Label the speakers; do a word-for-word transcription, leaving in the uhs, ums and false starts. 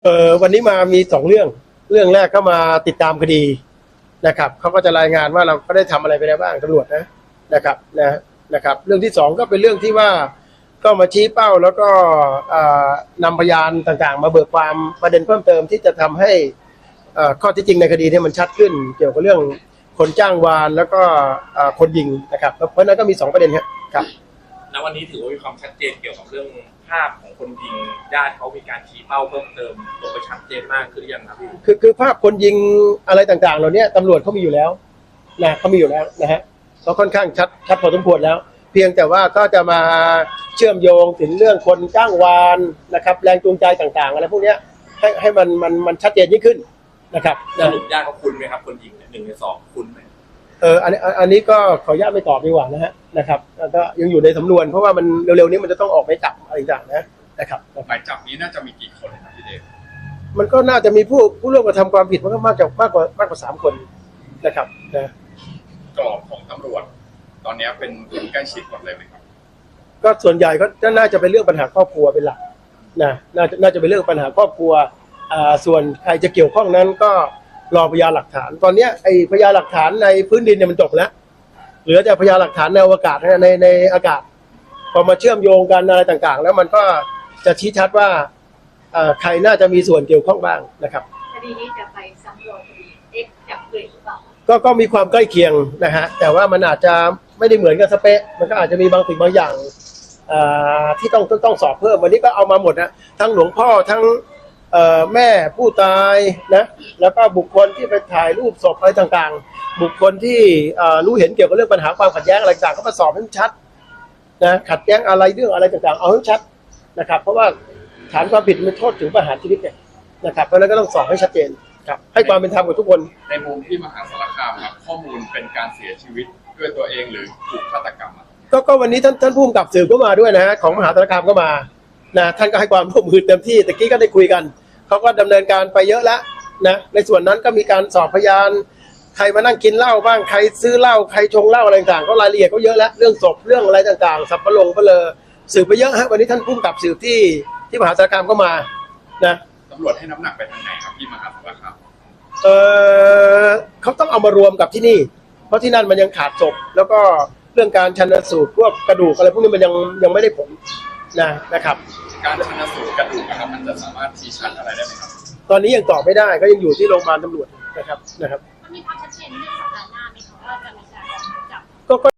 Speaker 1: เออวันนี้มามีสองเรื่องเรื่องแรกก็มาติดตามคดีนะครับเขาก็จะรายงานว่าเราก็ได้ทำอะไรไปแล้วบ้างตำรวจนะนะครับนะนะครับเรื่องที่สองก็เป็นเรื่องที่ว่าก็มาชี้เป้าแล้วก็นำพยานต่างๆมาเบิกความประเด็นเพิ่มเติมที่จะทำให้ข้อที่จริงในคดีนี้มันชัดขึ้นเกี่ยวกับเรื่องคนจ้างวานแล้วก็คนยิงนะครับเพราะนั้นก็มีสองประเด็นครับ
Speaker 2: ณวันนี้ถือว่ามีความชัดเจนเกี่ยวกับเรื่องภาพของคนยิงญาติเขามีการชี้เป้าเพิ่มเติมลงไปชัดเจนมากขึ้นหรือยังครับพี่
Speaker 1: คือคือภาพคนยิงอะไรต่างๆเหล่านี้ตำรวจเขามีอยู่แล้วนะเขามีอยู่แล้วนะฮะเขาค่อนข้างชัดชัดพอสมควรแล้วเพียงแต่ว่าก็จะมาเชื่อมโยงถึงเรื่องคนจ้างวานนะครับแรงจูงใจต่างๆอะไรพวกนี้ให้ให้มันมันมันชัดเจนยิ่งขึ้นนะครับ
Speaker 2: สรุปญาติเขาคุ้นไหมครับคนยิงหนึ่งในสองคุ้นไหม
Speaker 1: เอออันนี้อันนี้ก็ขออนุญาตไม่ตอบดีกว่านะฮะนะครับก็ยังอยู่ในสำนวนเพราะว่ามันเร็วๆนี้มันจะต้องออกหมายจับอะไรต่างๆนะนะครับ
Speaker 3: หมายจับนี้น่าจะมีกี่คนครับพี่เดช
Speaker 1: มันก็น่าจะมีผู้ผู้ร่วมกระทำความผิดมันก็มากจากมากกว่ามากกว่าสามคนนะครับนะ
Speaker 3: กรอบของตำรวจตอนนี้เป็นคนใกล้ชิดหมดเลยไหมครับ
Speaker 1: ก็ส่วนใหญ่ก็น่าจะเป็นเรื่องปัญหาครอบครัวเป็นหลักนะน่าจะน่าจะเป็นเรื่องปัญหาครอบครัวอ่าส่วนใครจะเกี่ยวข้องนั้นก็รอพยานหลักฐานตอนนี้ไอ้พยานหลักฐานในพื้นดินเนี่ยมันจบแล้วเหลือแต่พยานหลักฐานในอวกาศในในอากาศพอมาเชื่อมโยงกันอะไรต่างๆแล้วมันก็จะชี้ชัดว่าใครน่าจะมีส่วนเกี่ยวข้องบ้างนะครับ
Speaker 4: คดีนี้จะไปซ้ำรอยคดีเอ็กจับเกรดหรือเปล่า
Speaker 1: ก็ก็มีความใกล้เคียงนะฮะแต่ว่ามันอาจจะไม่ได้เหมือนกันสเปะมันก็อาจจะมีบางสิ่งบางอย่างที่ต้องต้องต้องสอบเพิ่มวันนี้ก็เอามาหมดนะทั้งหลวงพ่อทั้งแม่ผู้ตายนะแล้วก็บุคคลที่ไปถ่ายรูปศพอะไรต่างๆบุคคลที่รู้เห็นเกี่ยวกับเรื่องปัญหาความขัดแย้งอะไรต่างๆก็มาสอบให้ชัดนะขัดแย้งอะไรเรื่องอะไรต่างๆเอาให้ชัดนะครับเพราะว่าฐานความผิดมันโทษถึงประหารชีวิตเนี่ยนะครับเพราะฉะนั้นก็ต้องสอบให้ชัดเจนครับให้ความเป็นธรรมกับทุกคน
Speaker 3: ในมุมที่มหาสารคามครับข้อมูลเป็นการเสียชีวิตด้วยตัวเองหรือถูกฆาตกรรม
Speaker 1: ก็ก็วันนี้ท่านท่านผู้กำกับสืบก็มาด้วยนะฮะของมหาสารคามก็มานะท่านก็ให้ความร่วมมือเต็มที่ตะกี้ก็ได้คุยกันเขาก็ดำเนินการไปเยอะแล้วนะในส่วนนั้นก็มีการสอบพยานใครมานั่งกินเหล้าบ้างใครซื้อเหล้าใครชงเหล้าอะไรต่างๆก็รายละเอียดก็เยอะแล้วเรื่องศพเรื่องอะไรต่างๆสับปะรดก็เลยสืบไปเยอะฮะวันนี้ท่านผู้กำกับสืบที่ที่มหาสารคามก็มานะ
Speaker 3: ตำรวจให้น้ำหนักไปทางไหนครับที่มหาสารคาม
Speaker 1: เออเขาต้องเอามารวมกับที่นี่เพราะที่นั่นมันยังขาดศพแล้วก็เรื่องการชันสูตรพวกกระดูกอะไรพวกนี้มันยังยังไม่ได้ผลนะนะครับ
Speaker 3: การชันสูตรกระดูกนะครับมันจะสามารถชี้ชัดอะไรได้ไหมครับ
Speaker 1: ตอนนี้ยังตอบไม่ได้ก็ยังอยู่ที่โรงพยาบาลตำรวจนะครับนะครับ
Speaker 4: มันมีความชัดเจนเรื่องสัปดาห์หน้าไหมคะว่าจะมีการจับ
Speaker 1: ก็